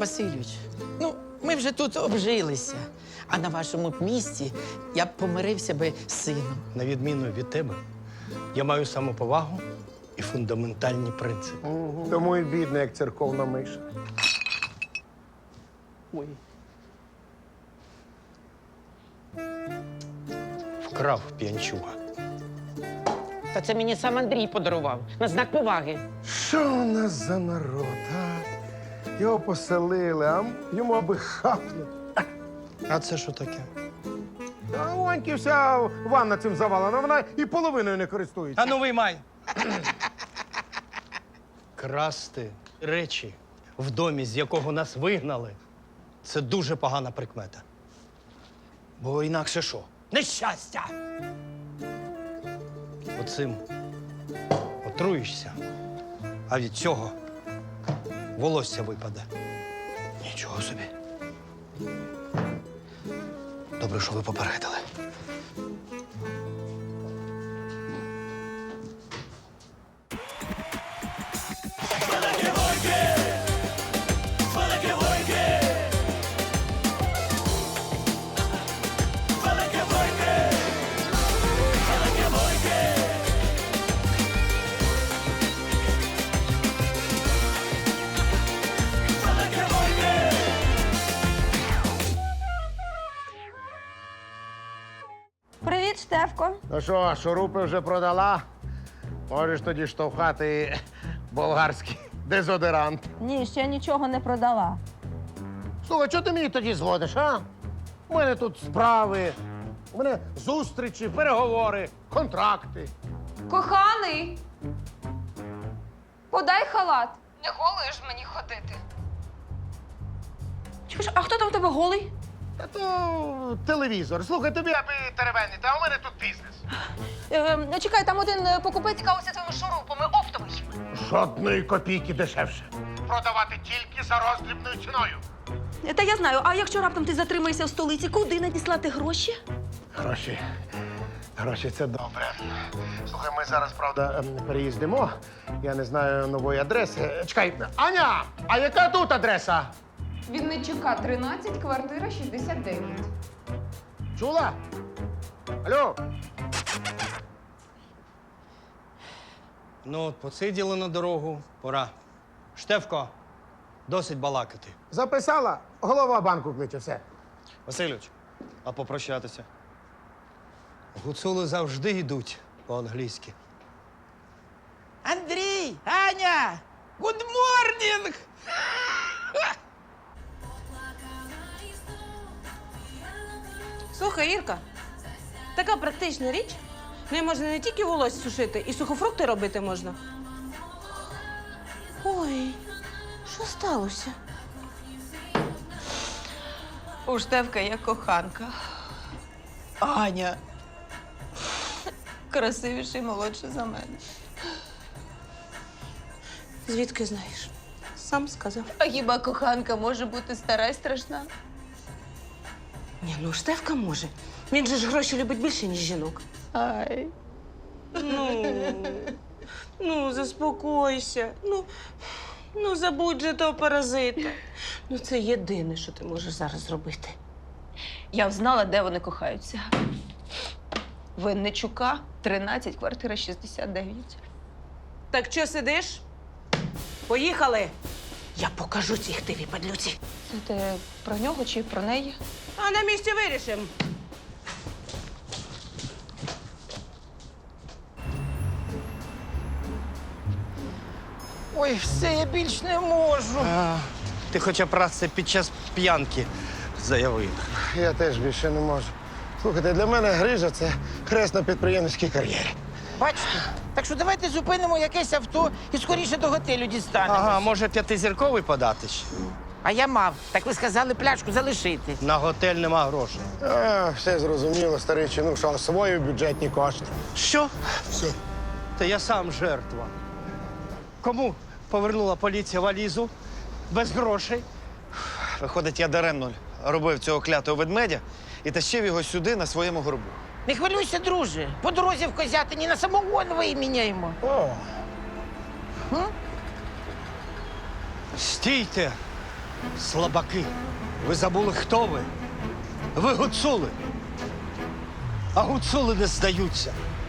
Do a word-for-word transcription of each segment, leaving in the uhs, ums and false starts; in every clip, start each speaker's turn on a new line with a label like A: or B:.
A: Васильович, ну, ми вже тут обжилися. А на вашому б місці я б помирився би з сином.
B: На відміну від тебе, я маю самоповагу і фундаментальні принципи.
C: Тому і бідний, як церковна миша.
A: Ой.
B: Вкрав п'янчуга.
A: Та це мені сам Андрій подарував на знак поваги.
C: Що у нас за народ, а? Його поселили, а йому аби хапнути.
B: А це що таке?
C: А у Аньки вся ванна цим завалена, вона і половиною не користується.
B: А ну виймай! Красти речі в домі, з якого нас вигнали, це дуже погана прикмета. Бо інакше що? Нещастя! Оцим отруєшся, а від цього волосся випаде. Нічого собі. Добре, що ви попередили.
D: Привіт, Штефко.
C: Ну що, шурупи вже продала? Можеш тоді штовхати болгарський дезодорант.
D: Ні, ще нічого не продала.
C: Слухай, чого ти мені тоді зводиш, а? У мене тут справи, у мене зустрічі, переговори, контракти.
E: Коханий, подай халат. Не голою ж мені ходити.
D: Чекай, а хто там в тебе голий?
C: Та то телевізор. Слухай, тобі аби теревенити, а у мене тут бізнес.
D: Е, чекай, там один е, покупець цікавився твоїми шурупами, оптовий.
C: Жодної копійки дешевше. Продавати тільки за роздрібною ціною.
D: Та я знаю, а якщо раптом ти затримаєшся в столиці, куди надіслати гроші?
C: Гроші. Гроші це добре. Слухай, ми зараз, правда, ем, переїздимо. Я не знаю нової адреси. Чекай, Аня, а яка тут адреса?
E: Вінничука, тринадцять, квартира шістдесят дев'ять.
C: Чула? Алло?
B: Ну, от посиділи на дорогу, пора. Штефко, досить балакати.
C: Записала? Голова банку кличе, все.
F: Васильович, а попрощатися?
B: Гуцули завжди йдуть по-англійськи.
A: Андрій! Аня! Good morning!
G: Слухай, Ірка, така практична річ. Нею можна не тільки волосся сушити, і сухофрукти робити можна. Ой, що сталося?
D: У Штефка є коханка.
A: Аня!
D: Красивіша і молодша за мене.
G: Звідки знаєш? Сам сказав.
D: А хіба коханка може бути стара й страшна?
G: Ні, ну Штефка може. Він же ж гроші любить більше, ніж жінок.
D: Ай.
G: Ну, ну, заспокойся. Ну, ну, забудь же того паразита. Ну, це єдине, що ти можеш зараз зробити.
D: Я взнала, де вони кохаються. Винничука, тринадцять, квартира шістдесят дев'ять.
G: Так що сидиш? Поїхали. Я покажу цій хтивій падлюці.
D: Це ти про нього чи про неї?
G: А на місці вирішимо.
A: Ой, все, я більш не можу.
F: А, ти хоча б раз це під час п'янки заявив.
C: Я теж більше не можу. Слухайте, для мене грижа – це хрест на підприємницькій кар'єрі.
A: Бачите? Так що давайте зупинимо якесь авто і скоріше до готелю дістанемо.
F: Ага, може п'ятизірковий подати ще?
A: А я мав. Так ви сказали пляшку залишити.
B: На готель нема грошей.
C: А, все зрозуміло, старий чинуш, що свої бюджетні кошти.
B: Що?
C: Все.
B: Та я сам жертва. Кому повернула поліція валізу без грошей?
F: Виходить, я даремно робив цього клятого ведмедя і тащив його сюди на своєму горбу.
A: Не хвилюйся, друже. По дорозі в Козятині на самогон виміняємо.
C: О,
B: Стійте! Слабаки. Ви забули, хто ви? Ви гуцули. А гуцули не здаються.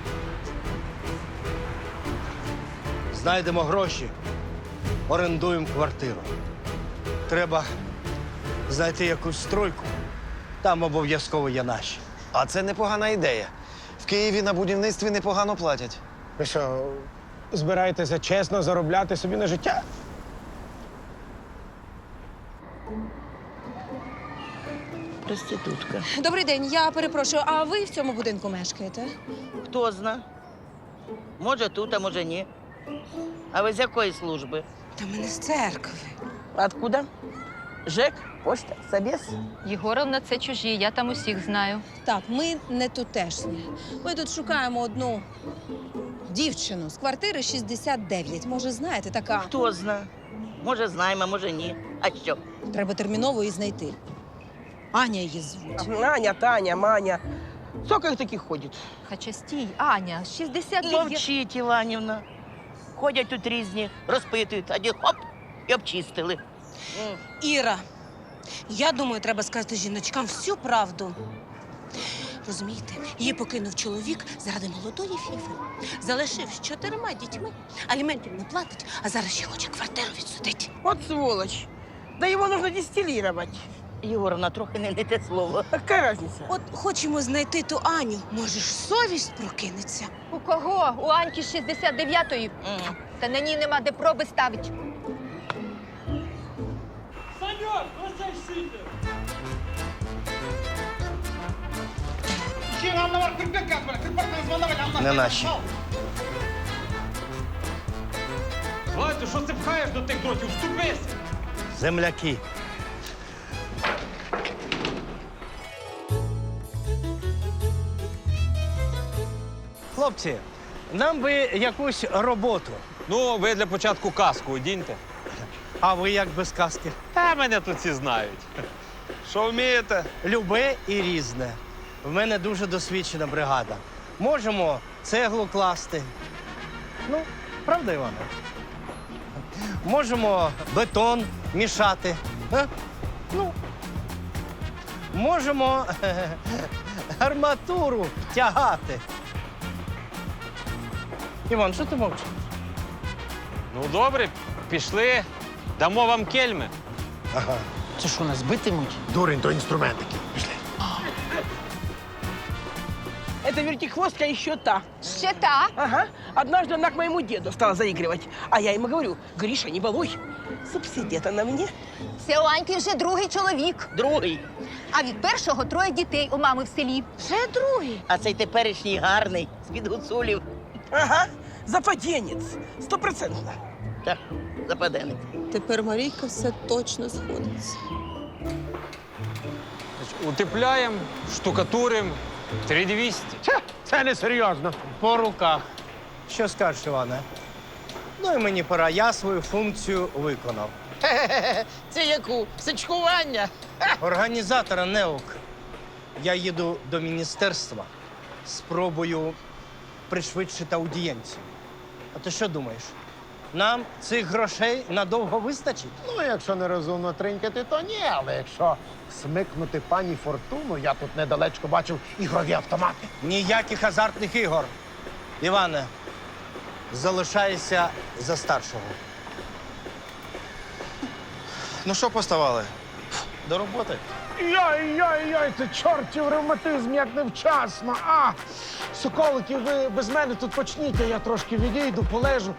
B: Знайдемо гроші, орендуємо квартиру. Треба знайти якусь стройку. Там обов'язково є наші.
F: А це непогана ідея. В Києві на будівництві непогано платять.
C: Ви що, збираєтеся чесно заробляти собі на життя?
G: Проститутка.
D: Добрий день, я перепрошую, а ви в цьому будинку мешкаєте?
H: Хто зна? Може тут, а може ні. А ви з якої служби?
D: Та мене з церкви.
H: Откуда? ЖЕК? Пошта? Собес?
I: Єгоровна, це чужі, я там усіх знаю.
D: Так, ми не тутешні. Ми тут шукаємо одну дівчину з квартири шістдесят дев'ять. Може, знаєте, така.
H: Хто зна? Може знаємо, може ні. А що?
D: Треба терміново її знайти. Аня її звуть.
J: Аня, Таня, Маня. Сколько их таких ходит?
I: Хоча стій, Аня, шістдесят дев'ять.
H: Мовчіть, Іванівна. Ходять тут різні, розпитують, а ді хоп, і обчистили. М.
G: Іра, я думаю, треба сказати жіночкам всю правду. Розумієте, її покинув чоловік заради молодої фіфи. Залишив з чотирма дітьми, аліментів не платить, а зараз ще хоче квартиру відсудити.
J: Вот сволочь. Да его нужно дистиллировать.
H: Єгоровна, трохи не, не те слово.
J: Какая разница?
G: От хочемо знайти ту Аню, може ж совість прокинеться.
I: У кого? У Аньки з шістдесят дев'ятої?
H: М.
I: Та на ній нема де проби ставить.
B: Не наші.
K: Владю, що ти пхаєш до тих дротів? Вступися!
B: Земляки. Хлопці, нам би якусь роботу.
K: Ну, ви для початку каску одіньте.
B: А ви як без каски?
K: Та мене тут всі знають. Що вмієте?
B: Любе і різне. В мене дуже досвідчена бригада. Можемо цеглу класти. Ну, правда, Іване? Можемо бетон мішати. А? Ну. Можемо арматуру тягати. Іван, що ти мовчиш?
K: Ну, добре, пішли. Дамо вам кельми.
B: Ага.
A: Це що, нас битимуть?
C: Дурень, то інструментики. Пішли.
J: Это вертихвостка еще та.
I: Ще та.
J: Ага. Однажды она к моему деду стала заигрывать. А я ему говорю, Гриша, не балуй. Субсидия-то на мне.
I: Це у Аньки вже другий чоловік.
H: Другий.
I: А від першого троє дітей у мами в селі.
G: Вже другий.
H: А цей теперішній гарний, з-під гуцулів.
J: Ага. Западенец. Стопроцентно.
H: Так, западенець.
D: Тепер Марійка все точно сходиться.
K: Утепляємо, штукатуримо. три двісті.
C: Це, це не серйозно.
B: По руках. Що скажеш, Іване? Ну і мені пора. Я свою функцію виконав.
A: Це яку? Сичкування?
B: Організатора НЕОК. Я їду до міністерства. Спробую пришвидшити аудієнцію. А ти що думаєш? Нам цих грошей надовго вистачить?
C: Ну, якщо нерозумно тринькати, то ні. Але якщо смикнути пані Фортуну, я тут недалечко бачив ігрові автомати.
B: Ніяких азартних ігор. Іване, залишайся за старшого.
F: Ну що поставали?
B: До роботи.
C: Йой-йой-йой, це чортів ревматизм, як невчасно. А! Соколики, ви без мене тут почніть, а я трошки відійду, полежу.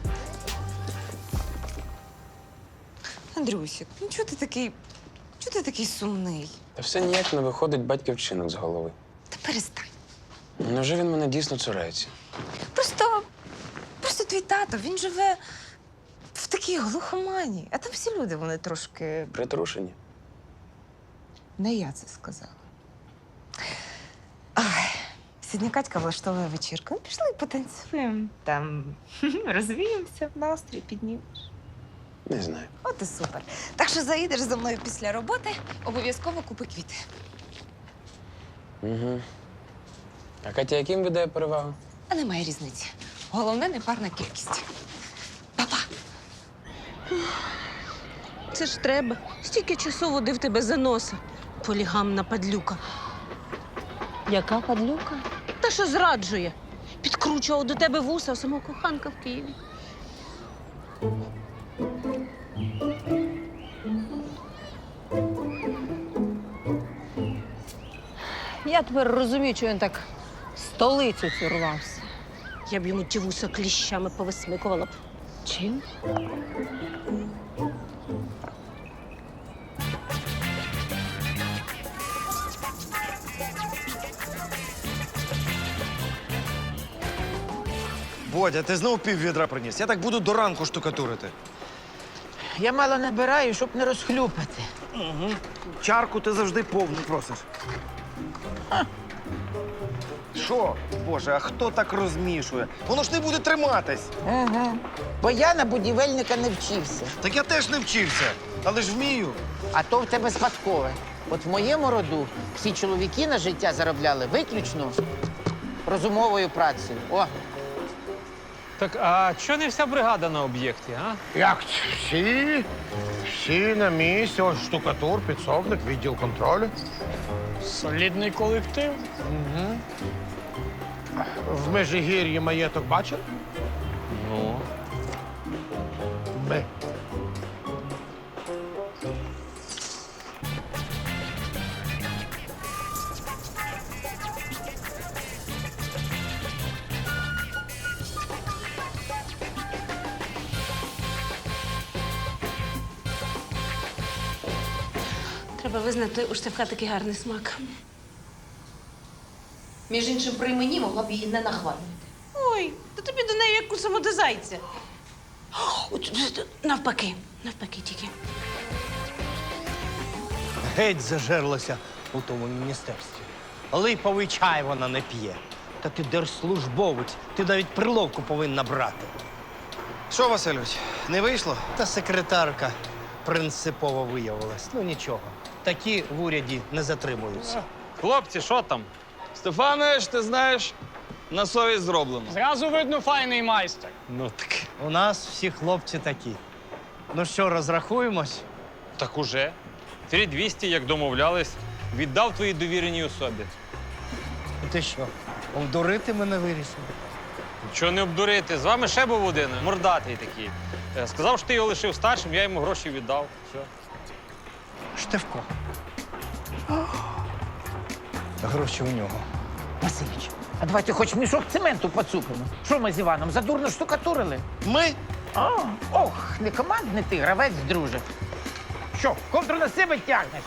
D: Андрюсік, ну чого ти такий. Чого ти такий сумний?
L: Та все ніяк не виходить батьків вчинок з голови.
D: Та перестань.
L: Ну, невже він мене дійсно цурається?
D: Просто. Просто твій тато, він живе в такій глухомані. А там всі люди, вони трошки.
L: Притрушені.
D: Не я це сказала. Ай, сьогодні Катька влаштовує вечірку. Ну, пішли потанцюємо. Там розвіємося, настрій піднімеш.
L: Не знаю.
D: От і супер. Так що заїдеш за мною після роботи, обов'язково купи квіти.
L: Угу. А Катя яким віддає перевагу?
D: А немає різниці. Головне непарна кількість. Па-па.
G: це ж треба. Стільки часу водив тебе за носа. Полігамна падлюка.
D: Яка падлюка?
G: Та що зраджує? Підкручував до тебе вуса, а сама коханка в Києві.
D: Я тепер розумію, чого він так в столицю цю рвався.
G: Я б йому ті вуса кліщами повисмикувала б.
D: Чим?
F: Бодя, ти знов пів відра приніс. Я так буду до ранку штукатурити.
A: Я мало набираю, щоб не розхлюпати.
F: Угу. Чарку ти завжди повну просиш. Що? Боже, а хто так розмішує? Воно ж не буде триматись.
A: Ага. Бо я на будівельника не вчився.
F: Так я теж не вчився, але ж вмію.
A: А то в тебе спадкове. От в моєму роду всі чоловіки на життя заробляли виключно розумовою працею. О,
K: Так, а чого не вся бригада на об'єкті, а?
C: Як це? Всі? Всі на місці. Ось штукатур, підсобник, відділ контролю.
K: Солідний колектив.
C: Угу. В Межигір'ї маєток бачив?
K: Ну.
C: Ми.
G: Треба визнати, у Штефка такий гарний смак.
D: Між іншим, при мені могла б її не нахвалювати.
G: Ой, та тобі до неї як у саму до зайця. От, навпаки, навпаки тільки.
B: Геть зажерлася у тому міністерстві. Липовий чай вона не п'є. Та ти держслужбовець, ти навіть приловку повинна брати.
F: Що, Васильович, не вийшло?
B: Та секретарка принципово виявилась. Ну нічого, такі в уряді не затримуються.
K: Хлопці, що там?
L: Стефанович, ти знаєш, на совість зроблено.
K: Зразу видно файний майстер.
B: Ну так. У нас всі хлопці такі. Ну що, розрахуємось?
K: Так уже. три двісті, як домовлялись, віддав твоїй довіреній особі.
B: І ти що, обдурити мене вирішив?
K: Чого не обдурити? З вами ще був один, мордатий такий. Е, Сказав, що ти його лишив старшим, я йому гроші віддав. Все.
B: Штефко. Гроші у нього.
A: Васильович, а давайте хоч мішок цементу поцупимо. Що ми з Іваном, задурно штукатурили?
F: Ми?
A: А, ох, не командний ти, гравець, друже. Що, ковдру на себе тягнеш?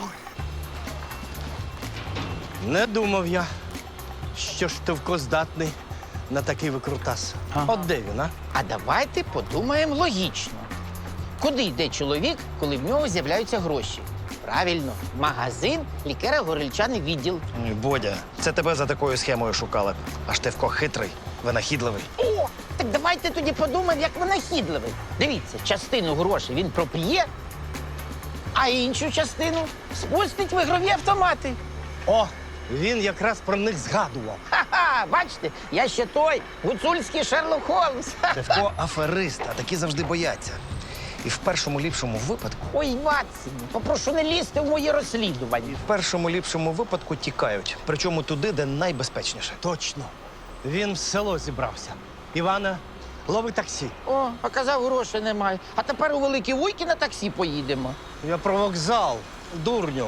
B: Не думав я, що Штефко здатний на такий викрутас.
A: Ага.
B: От де він, а?
A: А давайте подумаємо логічно. Куди йде чоловік, коли в нього з'являються гроші? Правильно, в магазин, лікера, горільчаний відділ.
F: Ні, Бодя, це тебе за такою схемою шукали. А Штефко хитрий, винахідливий.
A: О, так давайте тоді подумаємо, як винахідливий. Дивіться, частину грошей він проп'є, а іншу частину спустить в ігрові автомати.
B: О, він якраз про них згадував.
A: Ха-ха, бачите, я ще той гуцульський Шерлок Холмс. Ха-ха.
F: Штефко аферист, а такі завжди бояться. І в першому ліпшому випадку,
A: Ой, Ватсіні, попрошу не лізти в мої розслідування.
F: в першому ліпшому випадку тікають. Причому туди, де найбезпечніше.
B: Точно. Він в село зібрався. Івана, лови таксі.
A: О, а казав, грошей немає. А тепер у Великі Вуйки на таксі поїдемо.
B: Я про вокзал, дурню.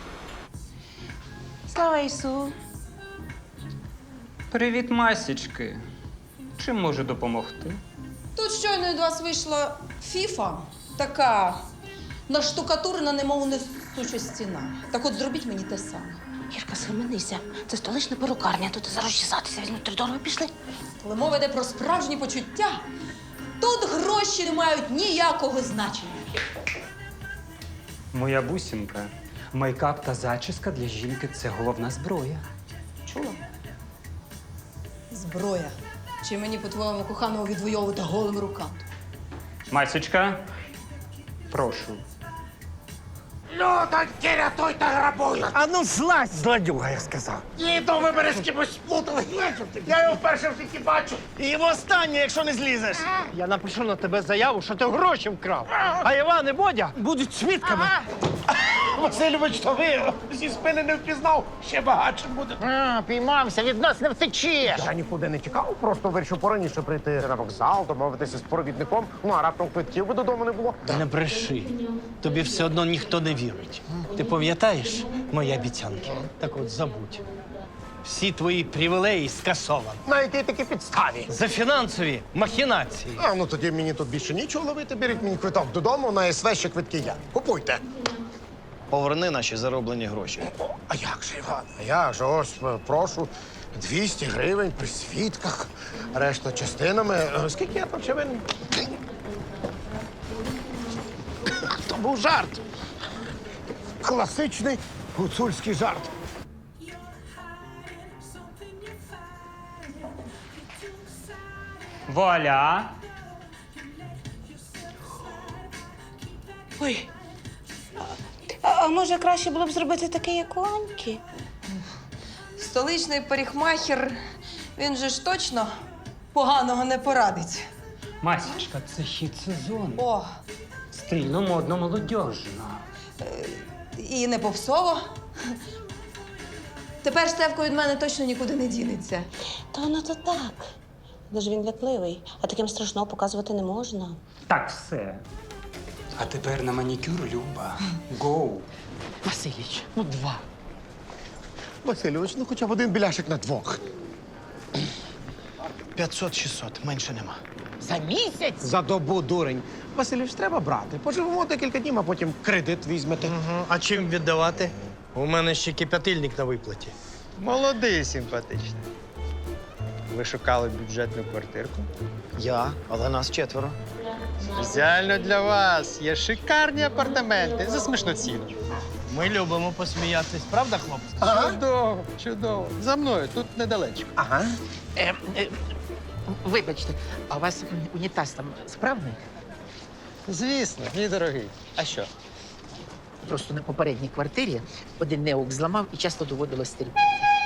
G: Слава Ісу!
K: Привіт, масічки. Чим можу допомогти?
D: Тут щойно від вас вийшла фіфа, така наштукатурена, немов несуча стіна. Так от зробіть мені те саме.
G: Ірка, схаменися. Це столична перукарня, тут зараз чесатися візьмуть три дорого пішли.
D: Коли мова йде про справжні почуття, тут гроші не мають ніякого значення.
M: Моя бусінка, мейкап та зачіска для жінки – це головна зброя.
D: Чула? Зброя. Чи мені, по-твоєму, коханого відвоювати голими руками?
M: Масічка, прошу.
C: Людоньки, рятуйте, грабують!
B: А ну злазь, злодюга, я сказав.
C: Діду, ви мене з кимось сплутали. Я його вперше в житті бачу.
B: І в останнє, якщо не злізеш. Я напишу на тебе заяву, що ти гроші вкрав. А Іван і Бодя будуть свідками.
C: Васильович, то ви зі спини не впізнав. Ще багатшим буде.
A: А, піймався, від нас не втечеш.
C: Я нікуди не тікав, просто вирішив пораніше прийти на вокзал, домовитися з провідником. Ну, а раптом квитків би додому не було.
B: Не бреши. Тобі все одно ніхто не вірить. Ти пам'ятаєш мої обіцянки? Так от забудь. Всі твої привілеї скасовані.
C: На якій такій підставі?
B: За фінансові махінації.
C: А, ну тоді мені тут більше нічого ловити. Беріть мені квиток додому, на ес ве ще квитки я. Купуйте.
F: Поверни наші зароблені гроші.
C: А як же, Іван? А як же? Ось, е, прошу, двісті гривень при свідках, решта частинами. Е, Скільки я там ще винен? То був жарт. Класичний гуцульський жарт.
M: Вуаля!
G: Ой. А, а може краще було б зробити таке, як у Аньки?
D: Столичний парикмахер, він же ж точно поганого не порадить.
M: Масічка, це хід сезону.
D: О,
M: Стильно, модно, молодіжно.
D: і не попсово. Тепер Стевко від мене точно нікуди не дінеться.
G: Та воно то так. Дуже він лякливий, а таким страшного показувати не можна.
M: Так, все. А тепер на манікюр, Люба. Гоу.
A: Василіч, ну два.
C: Васильович, ну хоча б один біляшик на двох.
F: п'ятсот-шістсот, менше нема.
A: За місяць?
C: За добу, дурень. Васильович, треба брати. Поживемо декілька днів, а потім кредит візьмете.
B: Угу. А чим віддавати? У мене ще кип'ятильник на виплаті.
N: Молодий, симпатичний. Ви шукали бюджетну квартирку?
F: Я, але нас четверо.
N: Спеціально для вас є шикарні апартаменти за смішну ціну.
B: Ми любимо посміятись, правда, хлопці?
N: Чудово, чудово. За мною, тут недалечко.
C: Ага.
A: Е, е, вибачте, а у вас унітаз там справний?
N: Звісно, мій дорогий. А що?
A: Просто на попередній квартирі один неук зламав і часто доводилось терпіти.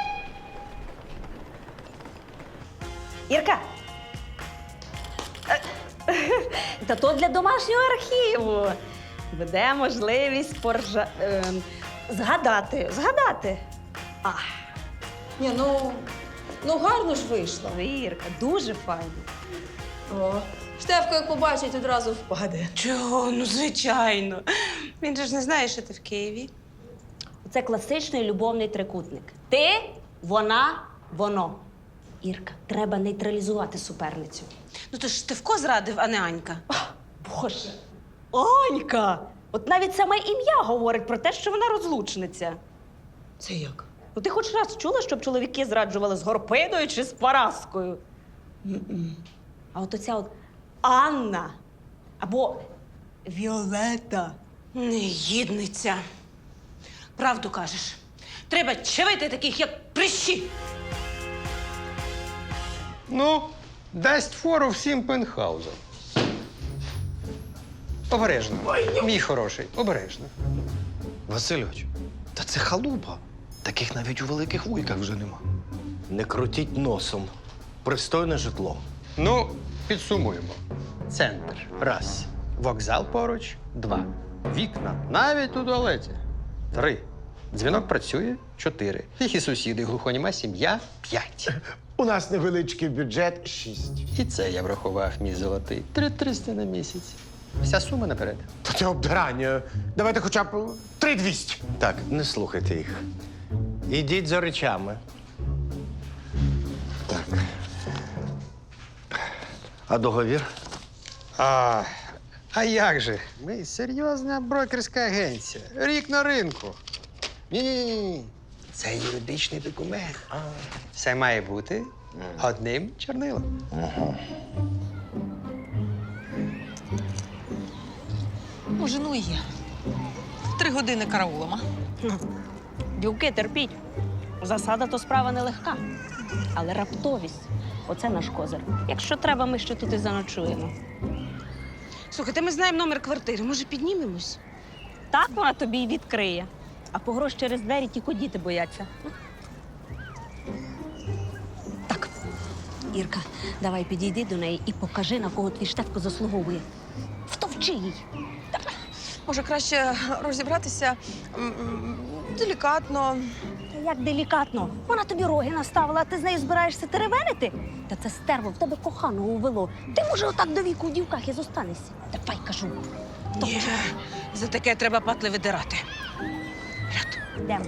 O: Ірка! Та то для домашнього архіву. Буде можливість поржа... е, згадати. Згадати. А,
D: Ні, ну, ну гарно ж вийшло.
O: Ірка, дуже файно.
D: О, Штефко, як побачить, одразу впаде.
G: Чого? Ну, звичайно. Він же ж не знає, що ти в Києві.
O: Це класичний любовний трикутник. Ти, вона, воно. Ірка, треба нейтралізувати суперницю.
G: Ну, то ж Штефко зрадив, а не Анька.
O: Боже, Анька! От навіть саме ім'я говорить про те, що вона розлучниця.
D: Це як?
O: Ну ти хоч раз чула, щоб чоловіки зраджували з Горпиною чи з Параскою?
D: М-м.
O: А от оця от Анна або Віолетта.
G: Негідниця. Правду кажеш. Треба чавити таких, як прищі.
N: Ну, дасть фору всім пентхаузам. Обережно. Мій хороший, обережно.
F: Васильович, та це халупа. Таких навіть у великих вуйках вже нема.
B: Не крутіть носом. Пристойне житло.
N: Ну, підсумуємо. Центр. Раз. Вокзал поруч. Два. Вікна. Навіть у туалеті. Три. Дзвінок працює. Чотири. Тихі сусіди, глухоніма сім'я. П'ять.
C: У нас невеличкий бюджет шість.
N: І це я врахував, мій золотий. Три триста на місяць. Вся сума наперед.
C: То це обдирання. Давайте хоча б три двісті.
B: Так, не слухайте їх. Ідіть за речами.
C: Так.
B: А договір?
N: А, а як же? Ми серйозна брокерська агенція. Рік на ринку. Ні-ні-ні. Це юридичний документ. Все має бути одним чорнилом.
D: Може, ну і є. Три години караулом, а?
O: Дівки, терпіть. Засада то справа нелегка. Але раптовість оце наш козир. Якщо треба, ми ще тут і заночуємо.
G: Слухайте, ми знаємо номер квартири. Може, піднімемось?
O: Так вона тобі й відкриє. А погроз через двері тільки діти бояться. Так, Ірка, давай підійди до неї і покажи, на кого твій Штефко заслуговує. Втовчи їй.
D: Може, краще розібратися м, м, делікатно.
O: Та як делікатно. Вона тобі роги наставила, а ти з нею збираєшся теревенити? Та це стерво в тебе коханого увело. Ти, може, отак до віку в дівках і зостанешся. Давай, кажу.
J: Ні, за таке треба патли видирати.
O: Йдемо.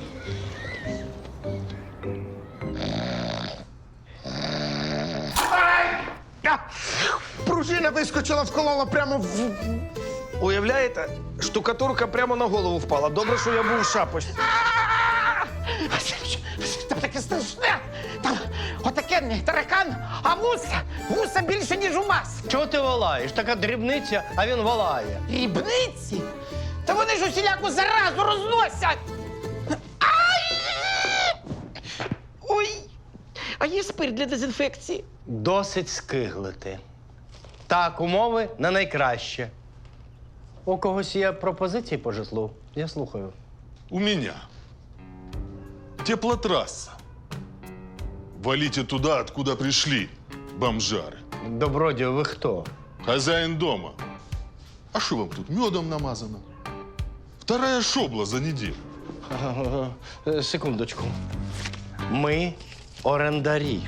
C: Пружина вискочила, вколола прямо в.
F: Уявляєте, штукатурка прямо на голову впала. Добре, що я був в шапочці.
A: Там таке страшне. Там отаке таракан, а вуса, вуса більше, ніж у вас.
B: Чого ти волаєш? Така дрібниця, а він волає.
A: Дрібниці? Та вони ж усіляку заразу розносять. Ай! Ой, а є спирт для дезінфекції?
B: Досить скиглити. Так, умови на найкраще. У когось є пропозиції по житлу? Я слухаю.
P: У меня. Теплотрасса. Валите туда, откуда пришли, бомжары.
B: Добродію, ви хто?
P: Хозяин дома. А что вам тут, медом намазано? Вторая шобла за неделю.
B: Е, Секундочку. Ми орендарі.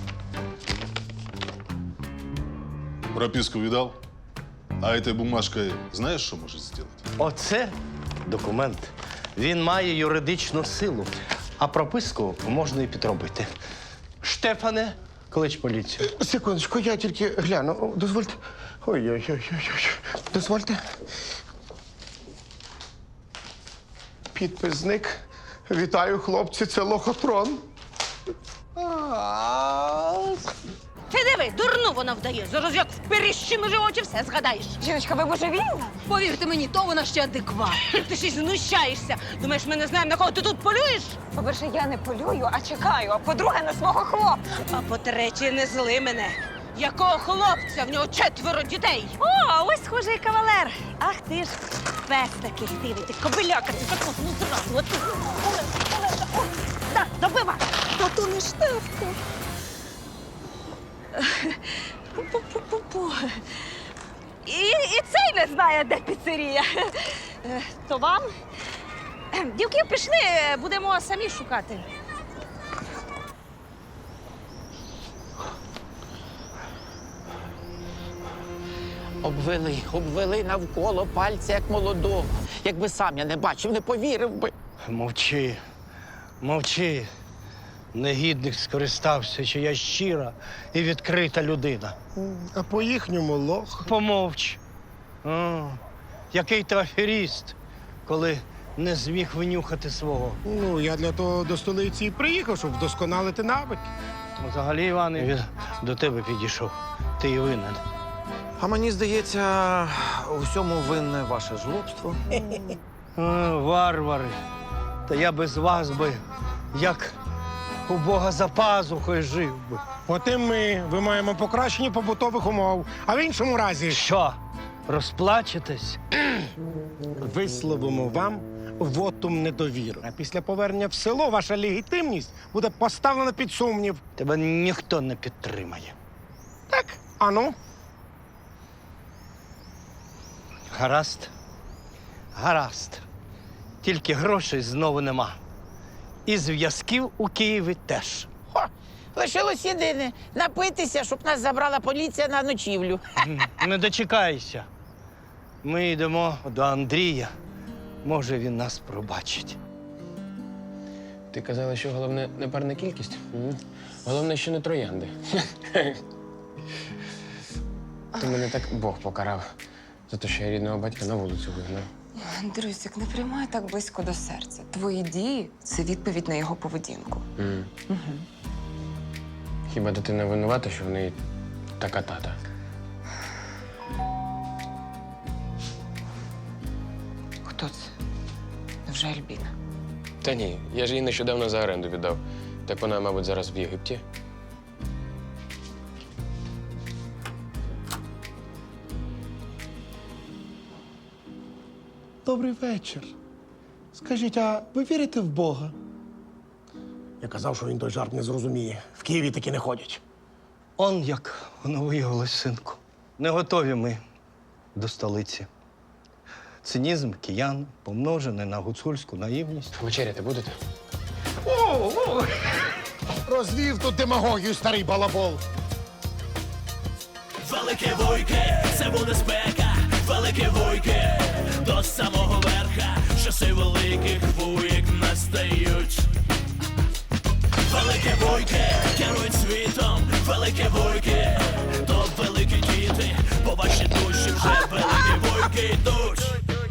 P: Прописку видал? А этой бумажкой знаешь, что может сделать?
B: Оце документ. Він має юридичну силу, а прописку можна і підробити. Штефане, клич поліцію.
C: Секундочку, я тільки гляну. О, дозвольте. Ой-ой-ой. Дозвольте. Підпис зник. Вітаю, хлопці, це лохотрон.
G: Ти диви, дурну вона вдає. Зараз як в періщину живочі все згадаєш.
E: Жіночка, ви божевільна?
G: Повірте мені, то вона ще адекват. Ти ще й знущаєшся. Думаєш, ми не знаємо, на кого ти тут полюєш?
E: По-перше, я не полюю, а чекаю. А по-друге, на свого хлопця.
G: А по-третє, не зли мене. Якого хлопця? В нього четверо дітей. О, ось схожий кавалер. Ах ти ж, пес такий хтивий, ти кобиляка, ти так ну зразу. От ти. Олеся, Олеся, о, так, добива. Та то не Штефко. Пу-пу-пу-пу. І, і цей не знає, де піцерія. Е, То вам? Дівки, пішли, будемо самі шукати.
A: Обвели, обвели навколо пальця, як молодого. Якби сам я не бачив, не повірив би.
B: Мовчи, мовчи. Негідник скористався, що я щира і відкрита людина.
C: А по-їхньому лох.
B: Помовч. О, який ти аферіст, коли не зміг винюхати свого.
C: Ну, я для того до столиці і приїхав, щоб вдосконалити навики.
B: Взагалі, Іване, він до тебе підійшов. Ти і винен.
F: А мені здається, у всьому винне ваше жлобство.
B: О, варвари. Та я без вас би, як у Бога за пазухою жив би.
C: От і ми вимагаємо покращення побутових умов. А в іншому разі
B: Що? Розплачетесь?
C: висловимо вам вотум недовіри. А після повернення в село ваша легітимність буде поставлена під сумнів.
B: Тебе ніхто не підтримає.
C: Так, ану.
B: Гаразд? Гаразд. Тільки грошей знову нема. І зв'язків у Києві теж.
A: Хо, лишилось єдине – напитися, щоб нас забрала поліція на ночівлю.
B: Не дочекайся. Ми йдемо до Андрія. Може, він нас пробачить.
Q: Ти казала, що головне не парна кількість? М. Головне, що не троянди. Ти мене так Бог покарав за те, що я рідного батька на вулицю вигнав.
E: Андрюсик, не приймай так близько до серця. Твої дії – це відповідь на його поведінку.
Q: М.
E: Угу.
Q: Хіба дитина винувата, що в неї така тата?
E: Хто це? Невже Альбіна?
Q: Та ні, я ж її нещодавно за оренду віддав. Так вона, мабуть, зараз в Єгипті.
C: добрий вечір. Скажіть, а ви вірите в Бога? Я казав, що він той жарт не зрозуміє. В Києві таки не ходять.
B: Он як воно виявилось, синку. Не готові ми до столиці. Цинізм киян помножений на гуцульську наївність.
Q: Вечеряти будете?
C: О, о! Розвів тут демагогію, старий балабол.
R: Велике вуйки, це буде спека, велике вуйки, до самого верха, часи великих вуйк настають. Велике вуйки, керують світом, велике вуйки, то великі діти, по вашій душі вже великі вуйки йдуть.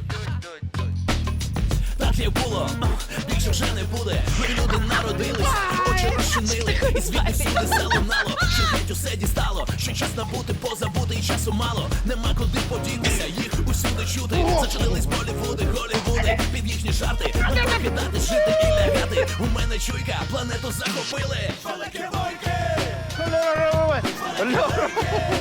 R: Так як було, більше вже не буде. Ми люди народились, очі розчинили, і звідти всюди залунало, що геть усе дістало, що час набути, позабути, і часу мало. Нема куди подінутися, їх усюди чути. Зачинились Болівуди, Голівуди, під їхні жарти. Не покидати, жити і лягати. У мене чуйка, планету захопили. Великі войки!